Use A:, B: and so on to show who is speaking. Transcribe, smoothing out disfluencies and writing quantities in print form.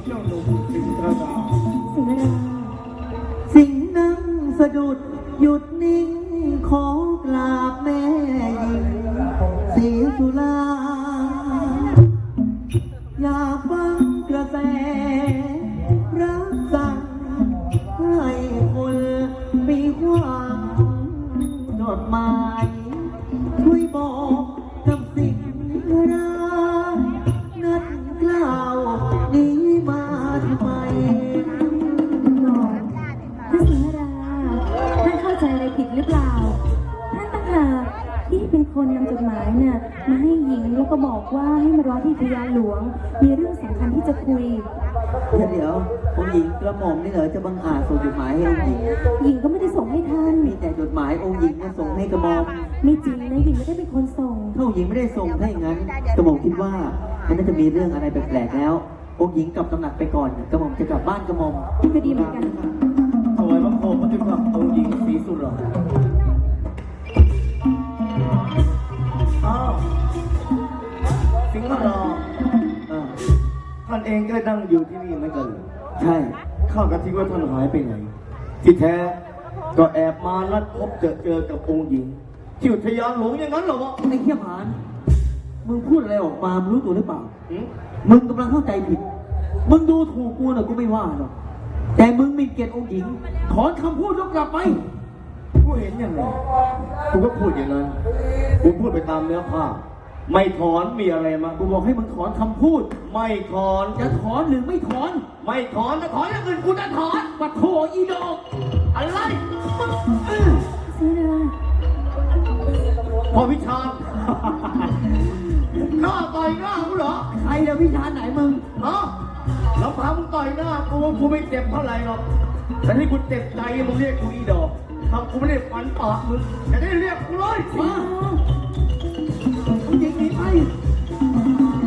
A: เจ้าหนุ่มสิงห์ระดา
B: สิงห์รา
C: สิงห์นั่งสะดุดหยุดนิ่งขอกราบแม่หญิงศรีสุลาอยากฟังกระแสรักสั่งให้คนมีความจดหมายช่วยบอกกับสิงห์รานัดกล่าวนี้มาทำไม
B: ท่านสิงห์ราท่านเข้าใจอะไรผิดหรือเปล่าท่านต่างหากที่เป็นคนนำจดหมายน่ะมาให้หญิงแล้วก็บอกว่าให้มารอที่พญาหลวงมีเรื่องสำคัญที่จะคุย
C: เดี๋ยวองค์หญิงกระหม่อมนี่เหรอจะบังอาจส่งจดหมายให้องค์หญิง
B: หญิงก็ไม่ได้ส่งให้ท่าน
C: มีแต่จดหมายองค์หญิงมาส่งให้กระหม่อม
B: ไม่จริงนะหญิงไม่ได้เป็นคนส่ง
C: ถ้าองค์หญิงไม่ได้ส่งถ้าอย่างนั้นกระหม่อมคิดว่ามันน่าจะมีเรื่องอะไรแปลกๆแล้ว องค์หญิงกลับตำหนักไปก่อนกระหม่อมจะกลับบ้านกระหม่อม
B: ก็ดีเหมือนกัน
A: ถวายบังคมพระเจ้าค่ะองค์หญิงศรีสุรางอ้าวสิงห์ระดา
C: เออ
A: ท่านเองก็นั่งอยู่ที่นี่เหมือนกันเหรอ
C: ใช่
A: ข้าก็คิดว่าท่านหายไปไหน ที่แท้ก็แอบมานัดพบเจอกับองค์หญิงที่อุทยานหลวงอย่างนั้นเหรอวะ
C: ไอ้เขี้ยผานมึงพูดอะไรออกมามึงรู้ตัวหรือเปล่า
A: หืม
C: มึงกำลังเข้าใจผิด มึงดูถูกกูน่ะกูไม่ว่าหรอกแต่มึงหมีเกียรติองค์หญิงถอนคำพูดแล้วกลับไป
A: กูเห็นอย่างไรกูก็พูดอย่างนั้นกูพูดไปตามเนื้อผ้าไม่ถอนมีอะไรมา
C: กูบอกให้มึงถอนคำพูด
A: ไม่ถอน
C: จะถอนหรือไม่ถอน
A: ไม่ถอนถ้าถอนอย่างอื่นกูจะถอน
C: ปัดโถอีดอก
A: อะไร
B: สิงห์รา
A: พอวิชาญ หน้าต่อยหน้ากูเหรอ
C: ใครจะวิชาไหนมึง
A: ฮะแล้วพามึงต่อยหน้ากูไม่เจ็บเท่าไหร่หรอกแต่ที่กูเจ็บใจมึงเรียกกูอีดอกทำกูไม่ได้ฟันปากมึงจะได้เรียกกูเลย
C: มาองค์หญิงหนีไป